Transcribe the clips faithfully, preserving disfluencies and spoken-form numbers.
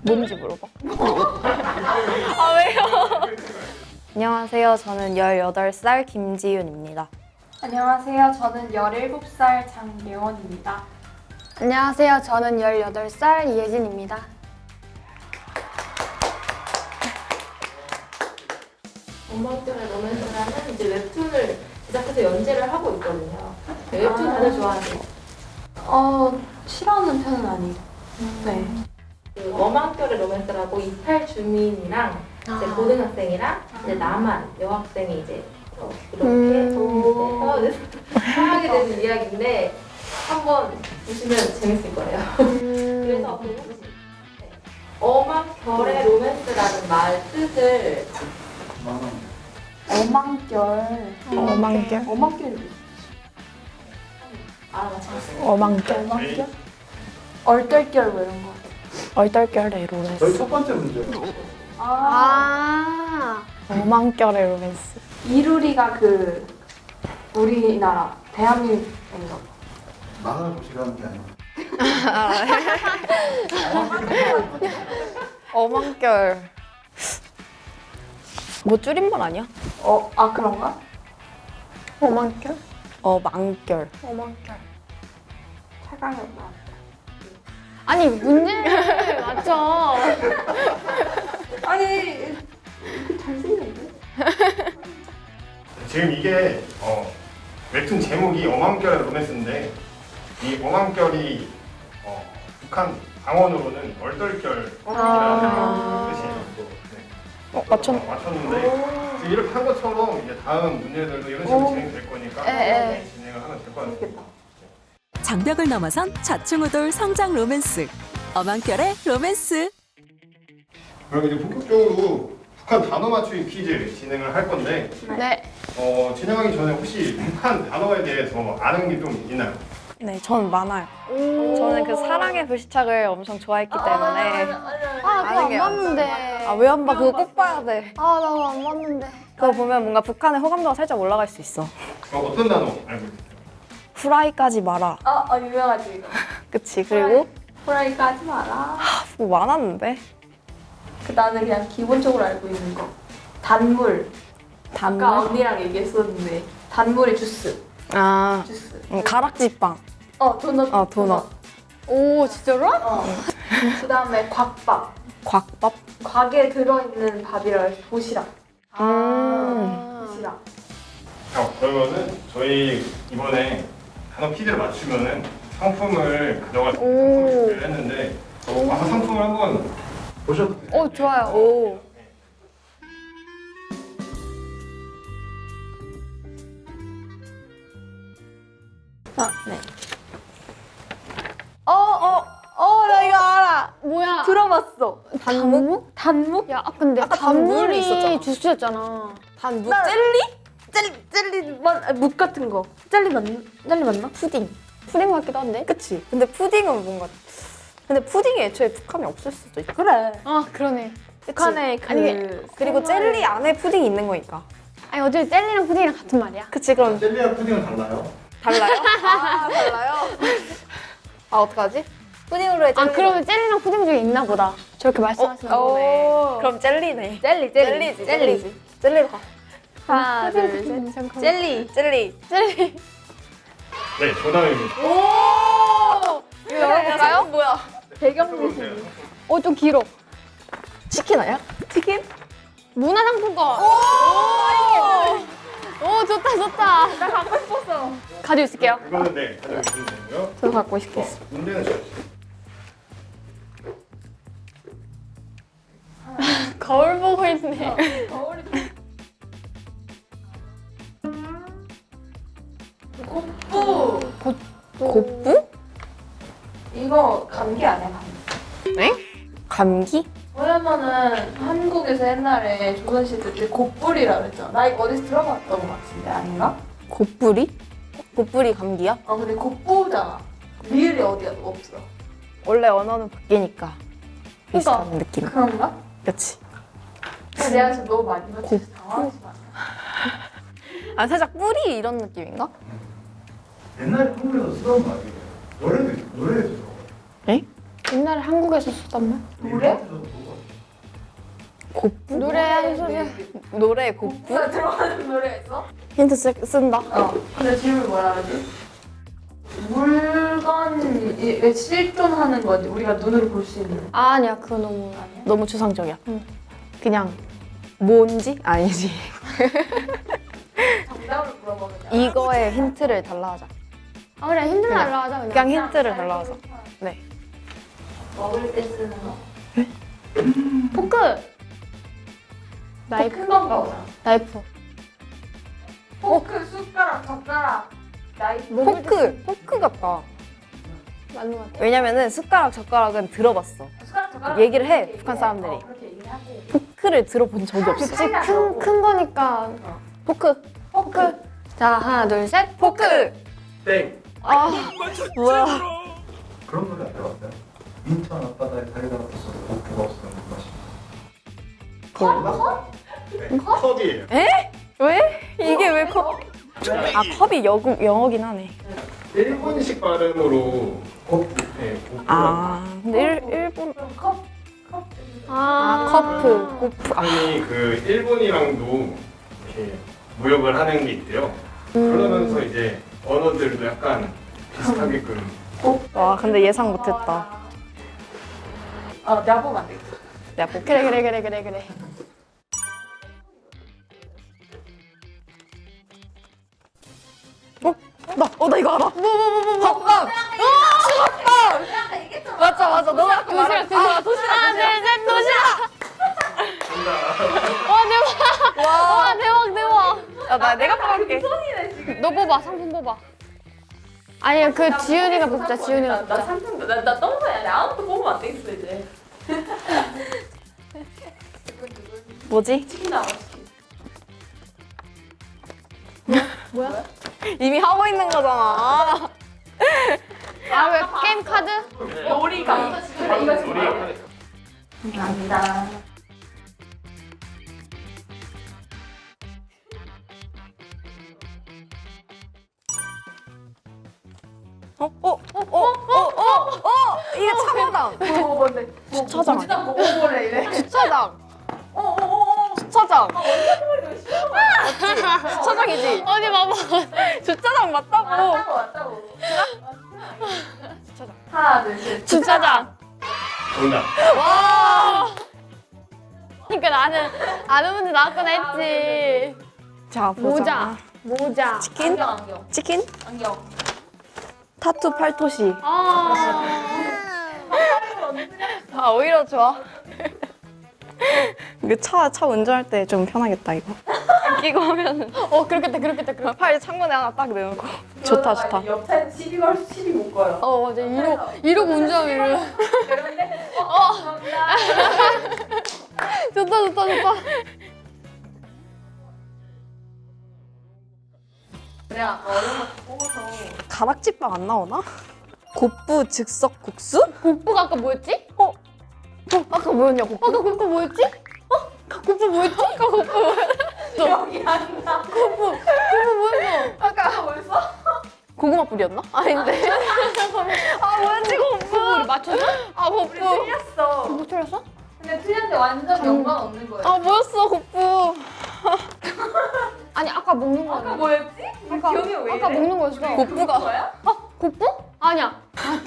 뭔지 물어봐. 아, 왜요? 안녕하세요. 저는 열여덟 살 김지윤입니다. 안녕하세요. 저는 열일곱 살 장예원입니다. 안녕하세요. 저는 열여덟 살 이예진입니다. 엄마들의 로맨스라는 이제 웹툰을 제작해서 연재를 하고 있거든요. 네, 웹툰 다들 좋아하세요? 어, 싫어하는 편은 아니고. 네. 그 머망결의 로맨스라고 이탈 주민이랑 이제 아. 고등학생이랑 이제 남한 여학생이 이제 어, 이렇게 음. 해서 사하게 되는 이야기인데 한번 보시면 재밌을 거예요. 음. 그래서 그 혹시 네. 어망결의 로맨스라는 말 뜻을 어망결. 어망결? 어망결이 알아맞히셨어요? 어망결. 어망결? 얼떨결 뭐 이런 거. 얼떨결의 로맨스. 저희 첫 번째 문제요. 아. 아. 어망결의 로맨스. 이루리가 그 우리나라 대한민국인가 봐. 만화를 보시라는 게 아니고. 어망결. 뭐 줄임말 아니야? 어, 아 그런가? 어망결? 어망결. 어망결. 차강이 없나? 아니 문제를 맞춰. 아니 잘생겼네. 지금 이게 어, 웹툰 제목이 어망결의 로맨스인데 이 어망결이 어, 북한 방언으로는 얼떨결이라는 아. 뜻이에요. 네. 어, 맞췄. 어, 맞췄는데 지금 이렇게 한 것처럼 이제 다음 문제들도 이런 식으로 진행될 거니까 에, 에. 진행을 하면 될 것 같아요. 재밌겠다. 장벽을 넘어선 좌충우돌 성장 로맨스 어망결의 로맨스. 그럼 이제 본격적으로 북한 단어 맞추기 퀴즈 진행을 할 건데 네. 어, 진행하기 전에 혹시 북한 단어에 대해서 아는 게 좀 있나요? 네, 저는 많아요. 저는 그 사랑의 불시착을 엄청 좋아했기 때문에. 아 그거 아는 안 게 봤는데. 아, 왜 안 봐? 그거 꼭 봐야 돼. 아 나 안 봤는데. 그거 보면 뭔가 북한의 호감도가 살짝 올라갈 수 있어. 어, 어떤 단어 알고 있어요? 후라이까지 마라. 아, 아 유명하지 이거. 그치. 그리고 프라이가 하지 마라. 뭐 많았는데. 그 나는 그냥 기본적으로 알고 있는 거. 단물. 단물. 아까 언니랑 얘기했었는데 단물이 주스. 아, 주스. 음, 가락지빵. 어 도넛. 어, 도넛. 오 진짜로? 어. 그다음에 곽밥. 곽밥. 곽에 들어있는 밥이라 해서 도시락. 음. 도시락. 어, 그러면은 저희 이번에 단어 퀴즈를 맞추면은 상품을 가져갈 수 있는 상품을 준비를 했는데 어, 아, 상품을 한번 보셔도 돼요. 오 좋아요. 오. 아, 네. 어 어. 어 나 이거 알아. 뭐야? 들어봤어. 단묵? 단묵? 야 아, 근데 아까 단물이 단물이 있었잖아. 주스였잖아. 단무 나- 젤리? 젤리 젤리 맞 아, 묵 같은 거. 젤리 맞 젤리 맞나? 푸딩. 푸딩 같기도 한데. 그치. 근데 푸딩은 뭔가. 근데 푸딩이 애초에 북한에 없을 수도 있고. 그래. 아 그러네. 북한에 그 아니, 그리고 젤리 안에 푸딩이 있는 거니까. 아니 어차피 젤리랑 푸딩이랑 같은 말이야. 그치. 그럼 젤리와 푸딩은 달라요. 달라요? 아, 달라요? 아, 어떡하지? 푸딩으로 해, 젤리. 아 그러면 젤리랑 푸딩 중에 있나 보다. 저렇게 말씀하시는 거네. 그럼 젤리네. 젤리 젤리지, 젤리지. 젤리로 가. 하나 둘 셋. 젤리. 젤리. 젤리. 네 정답입니다. 오! 이거 열어볼까요? 뭐야? 배경 들어보세요. 무슨? 어 좀 길어. 치킨 아니야? 치킨? 문화상품권. 오! 오 좋다 좋다. 나 갖고 싶었어. 가지고 있을게요. 이거는 네 가지고 있으면 되고요. 저도 갖고 싶어. 어, 문제는 저 거울 보고 있네. 고 곱부? 이거 감기 아니야 감기. 네? 감기? 왜냐면은 한국에서 옛날에 조선시대 때 곱불이라 그랬잖아. 나 이거 어디서 들어봤던 것 같은데 아닌가? 곱부리? 곱부리 감기야? 아 근데 곱부잖아. 리을이 어디야 없어. 원래 언어는 바뀌니까. 비슷한 그러니까. 느낌. 그런가? 그치. 근데 내가 지금 너무 많이 맞춰서 당황하지 마. 아, 살짝 뿌리 이런 느낌인가? 옛날에 한국에서 쓰던 말이에요. 노래도 노래에도 들어가요. 에? 옛날에 한국에서 쓰던 말? 노래? 곱부? 노래 하는 소리야. 노래 곱부? 누가 들어가는 노래가 있어? 힌트 쓰, 쓴다. 어. 근데 질문 뭐라 그러지? 물건이 실존하는 건지 우리가 눈으로 볼 수 있는. 아, 아니야, 그거 너무. 너무 추상적이야. 응. 그냥 뭔지? 아니지. 정답을 물어보면 이거에 힌트를 달라 하자. 아, 그래, 힌트 그냥. 달라 하자, 그냥. 그냥 힌트를 달라 하자. 네. 먹을 때 쓰는 거? 포크! 나이프. 큰 건가 보다. 나이프. 포크, 숟가락, 젓가락, 나이프. 포크! 포크 같다. 맞는 것 같아. 왜냐면은 숟가락, 젓가락은 들어봤어. 숟가락, 젓가락. 얘기를 해, 그렇게 북한 얘기해. 사람들이. 어, 그렇게 얘기를 하고. 포크를 들어본 적이 없어. 그치, 큰, 큰 거니까. 포크. 포크. 자, 하나, 둘, 셋. 포크! 땡. 아, 뭐야. 그런 노래 안 들어봤어요? 인천 앞바다에 다리가 없어. 고프가 없으면 맛이. 네, 컵이에요. 왜? 이게 왜 컵? 아, 컵이 영어, 영어긴 하네. 일본식 발음으로 곱, 네, 고프라고. 아, 근데 일, 일본. 그럼 컵, 컵. 아, 커프, 고프. 아, 일본이 그 일본이랑도 이렇게 무역을 하는 게 있대요. 그러면서 이제 언어들도 약간 비슷하게끔. 와, 근데 예상 못했다. 어, 내가 보면 안 되겠다. 내가 꼭 그래, 그래, 그래, 그래, 그래. 나, 어, 나 이거 알아. 뭐, 뭐, 뭐, 뭐, 뭐. 밥 수박밥. 맞아, 맞아. 너가 아까 말한. 도시락, 아, 도시락. 하나, 둘, 셋, 도시락! 와, 대박! 와. 와, 대박, 대박! 야, 나 내가 뽑을게. 너 뽑아, 상품 뽑아. 아니, 그 지윤이가 뽑자, 지윤이가 나, 나 뽑자. 삼성, 나, 나 떠나야 돼. 아무것도 뽑으면 안 되겠어, 이제. 뭐지? 치킨 나와, 치킨. 뭐야? 이미 하고 있는 거잖아. 아, 왜 게임 카드? 요리가. 그래, 이거 지금 우리가 봐야 돼. 감사합니다. 어, 어, 어, 어, 어, 어, 어, 이게 차고당. 뭐, 뭔데? 뭐, 주차장 주차장 뭐 보래 이래. 주차장. 어, 어, 어, 어. 주차장. 아, 주차장이지. 어디 봐봐. 주차장 맞다고. 맞다고, 맞다고. 주차장. 하나, 둘, 셋. 주차장. 정답. 와. 그러니까 나는 아는 문제 나왔구나 했지. 자, 보자. 모자. 모자. 치킨? 안경, 안경. 치킨? 안경. 타투 팔토시. 아. 아, 오히려 좋아. 이거 차, 차 운전할 때 좀 편하겠다, 이거. 끼고 하면은. 어, 그렇겠다, 그렇겠다, 그렇겠다. 팔 창문에 하나 딱 내놓고. 좋다, 좋다. 옆에 시비 걸 시비 못 걸어. 어, 맞아. 이러고, 이러고 운전하면 그런데 어, 감사합니다. 좋다, 좋다, 좋다. 그냥 아까 어려운 거 뽑아서 가락지빵 안 나오나? 곱부 즉석 국수? 곱부가 아까 뭐였지? 어? 어, 아까 뭐였냐, 곱부? 아까 곱부 뭐였지? 어? 아까 곱부 뭐였지? 아까 곱부 뭐였어? 기억이 안 나. 곱부, 곱부 뭐였어? 아까 뭐였어? 고구마 뿌리였나? 아닌데. 아, 뭐였지, 곱부? 우리 맞췄어? 아, 우리 곱부. 틀렸어. 뭐 틀렸어? 근데 틀렸는데 완전 연관 없는 거야. 아, 뭐였어, 곱부. 아니, 아까 먹는 거 아까 아니야? 뭐였지? 우리 아까, 기억이 왜 이래? 아까 먹는 거였어. 곱부가. 거야? 어? 곱부? 아니야.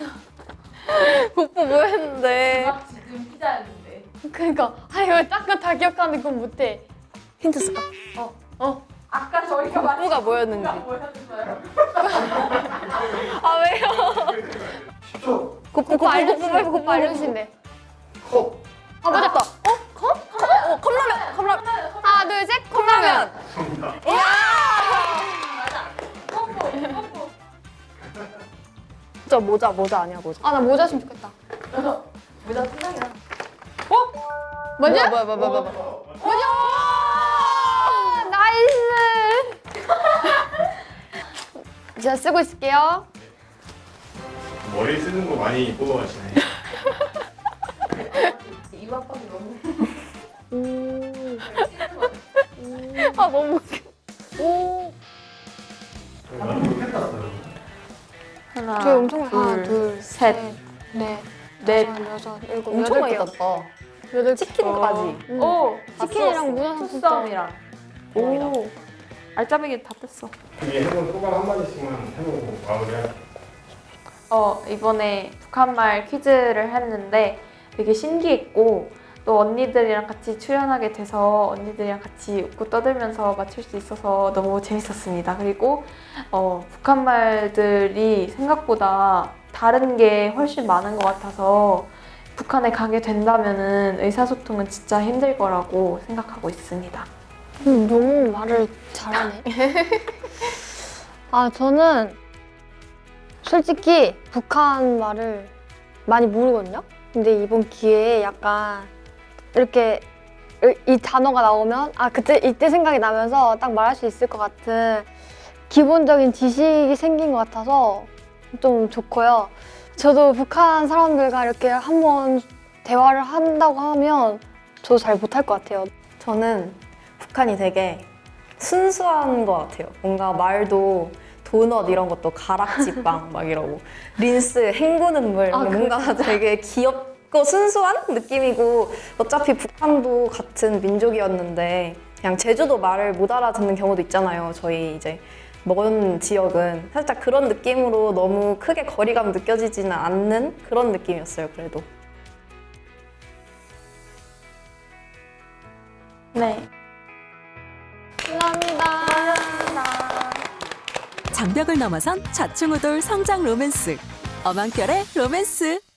곱부 뭐였는데. 막 지금 피자였는데. 그러니까 아 이거 딱그 다 기억하는데 그건 못해. 힌트 쓸까? 어, 어. 아까 저희가 곱부가 뭐였는지. 곱부가 뭐였어요? 아, 왜요? 십 초. 곱부, 곱부 알려주신대. 곱부 알려주신대. 컵. 아 맞았다. 어? 컵? 어, 컵라면, 컵라면. 하나 둘 셋. 컵라면. 정답. 저 모자, 모자 아니야, 모자. 아 나 모자 였으면 좋겠다. 모자 틀랑이야. 뭐냐? 뭐야, 뭐야, 뭐야, 뭐야. 뭐냐? 나이스. 제가 쓰고 있을게요. 머리 쓰는 거 많이 뽑아가시네. 이 압박이 너무. 아, 너무 웃겨. 오. 나는 펜 났어요. 하나, 저희 엄청 둘, 하나 둘 셋, 넷, 넷, 여덟 치킨까지. 음. 오! 치킨이랑 문화상품권. 투썸이랑. 오! 알짜배기 다 뺐어. 그게 해본 소감 한마디씩만 해보고 마무리할게요. 어, 이번에 북한말 퀴즈를 했는데 되게 신기했고 또 언니들이랑 같이 출연하게 돼서 언니들이랑 같이 웃고 떠들면서 맞출 수 있어서 너무 재밌었습니다. 그리고 어, 북한말들이 생각보다 다른 게 훨씬 많은 것 같아서 북한에 가게 된다면은 의사소통은 진짜 힘들 거라고 생각하고 있습니다. 음, 너무 말을 잘하네. 아, 저는 솔직히 북한 말을 많이 모르거든요? 근데 이번 기회에 약간 이렇게 이 단어가 나오면 아, 그때, 이때 생각이 나면서 딱 말할 수 있을 것 같은 기본적인 지식이 생긴 것 같아서 좀 좋고요. 저도 북한 사람들과 이렇게 한번 대화를 한다고 하면 저도 잘 못할 것 같아요. 저는 북한이 되게 순수한 것 같아요. 뭔가 말도 도넛 이런 것도 가락지빵 막 이러고 린스 헹구는 물 아, 뭔가 되게 귀엽고 순수한 느낌이고 어차피 북한도 같은 민족이었는데 그냥 제주도 말을 못 알아듣는 경우도 있잖아요. 저희 이제 먼 지역은 살짝 그런 느낌으로 너무 크게 거리감 느껴지지는 않는 그런 느낌이었어요. 그래도. 네. 감사합니다. 장벽을 넘어선 좌충우돌 성장 로맨스. 어망결의 로맨스.